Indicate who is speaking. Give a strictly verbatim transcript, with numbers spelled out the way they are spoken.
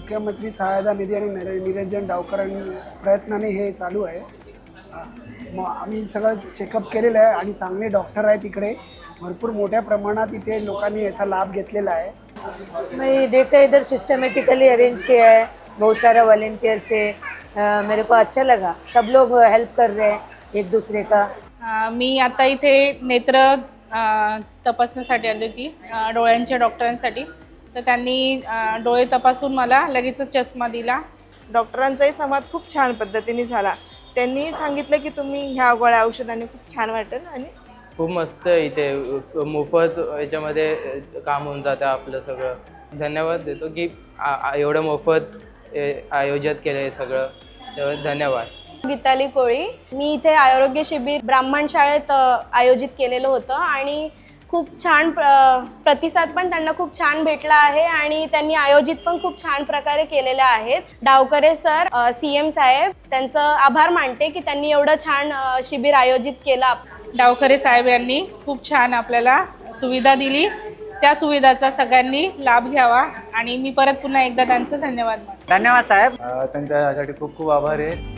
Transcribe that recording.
Speaker 1: मुख्यमंत्री सहायता निधी आणि निर निरंजन डावकर प्रयत्नाने हे चालू आहे। मग आम्ही सगळं चेकअप केलेलं आहे आणि चांगले डॉक्टर आहेत इकडे, भरपूर मोठ्या प्रमाणात इथे लोकांनी याचा लाभ घेतलेला है।
Speaker 2: मैं देखा इधर सिस्टमेटिकली अरेंज किया है, बहुत सारा वॉलेंटियर से आ, मेरे को अच्छा लगा। सब लोग हेल्प कर रहे हैं एक दूसरे का।
Speaker 3: आ, मी आता इथे नेत्र आ, तपासण्यासाठी आली होती आ, डोळ्यांच्या डॉक्टरांसाठी। तर त्यांनी आ, डोळे तपासून मला लगेच चष्मा दिला।
Speaker 4: डॉक्टरांचाही संवाद खूप छान पद्धतीने झाला। त्यांनी सांगितलं की तुम्ही ह्या गोळ्या औषधाने खूप छान वाटेल आणि
Speaker 5: खूप मस्त इथे मोफत याच्यामध्ये काम होऊन जातं आपलं सगळं। धन्यवाद देतो की एवढं मोफत आयोजित केलं हे सगळं, तर धन्यवाद।
Speaker 6: गीताली कोळी, मी इथे आरोग्य शिबिर ब्राह्मण शाळेत आयोजित केलेलं होतं आणि खूप छान प्रतिसाद पण त्यांना खूप छान भेटला आहे आणि त्यांनी आयोजित पण खूप छान प्रकारे केलेले आहेत। डावकरे सर, सीएम साहेब, त्यांचं आभार मानते की त्यांनी एवढं छान शिबिर आयोजित केलं।
Speaker 3: डावकरे साहेब यांनी खूप छान आपल्याला सुविधा दिली, त्या सुविधाचा सगळ्यांनी लाभ घ्यावा आणि मी परत पुन्हा एकदा त्यांचं धन्यवाद मानते।
Speaker 7: धन्यवाद साहेब।
Speaker 8: त्यांच्यासाठी खूप खूप आभार आहे।